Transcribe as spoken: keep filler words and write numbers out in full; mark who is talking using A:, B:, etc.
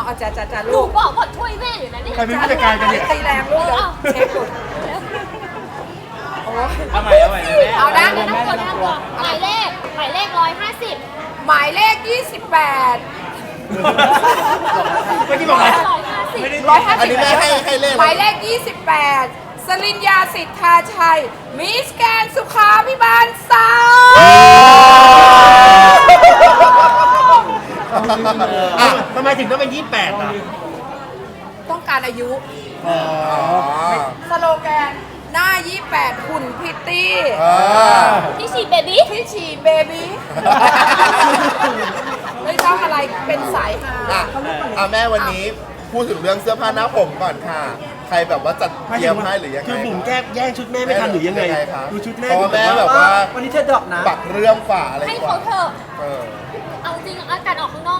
A: อาจารย์อาจารย์
B: หนู
A: ลูก
B: บอกว่าช่วยแม่อยู่นะนี่
C: ใครเป็นผู้จัดการกันเนี่ย
A: ตีแรงลูกเดี๋ยวเช็คลูกโอ้ย
D: เอาใหม่เอาใหม่นะแม่
A: เอานะ
B: แนะนำตัวแนะนำตัวหมายเลขหมายเลขร้อยห้าสิบ
A: หมายเลขยี่สิบแปด
C: เมื่อกี้บอกอะไร
B: ร้อยห้าสิบ
A: ร้อยห้า
E: อัน
A: สิบ
E: นี้แม่ให้ให้เลข
A: หมายเลขยี่สิบแปดสลินยาสิทธาชัยมิสแกนสุขาพิบาลสาม
C: อ่ะทำไมถึงต้องเป็นยี่สิบแปดอ่ะ
A: ต้องการอายุ
E: อ๋อ
A: สโลแกนหน้ายี่สิบแปดหุ่นพิตตี้
E: อ่า
B: ที่ฉีดเบบี้
A: ที่ฉีดเบบี้ ไม่ต้องอะไรเป็นสายฮา
E: อ่ะอ่ะแม่วันนี้พูดถึงเรื่องเสื้อผ้าหน้าผมก่อนค่ะ ใครแบบว่าจัดเตรียมให้หรือยังไง
C: คือบุ๋มแก้แย่งชุดแม่ไม่ทันหรือยังไง
E: คะ
C: ดูชุดแม่
E: เพราะว่าแม่แบบว่า
C: วันนี้เธอดรอปนะ
E: ปักเรื่องฝ่าอะไร
B: ให้
E: กว่า
B: เขาเถอะ
E: เออ
B: เอาจริงอาการออกข้างนอก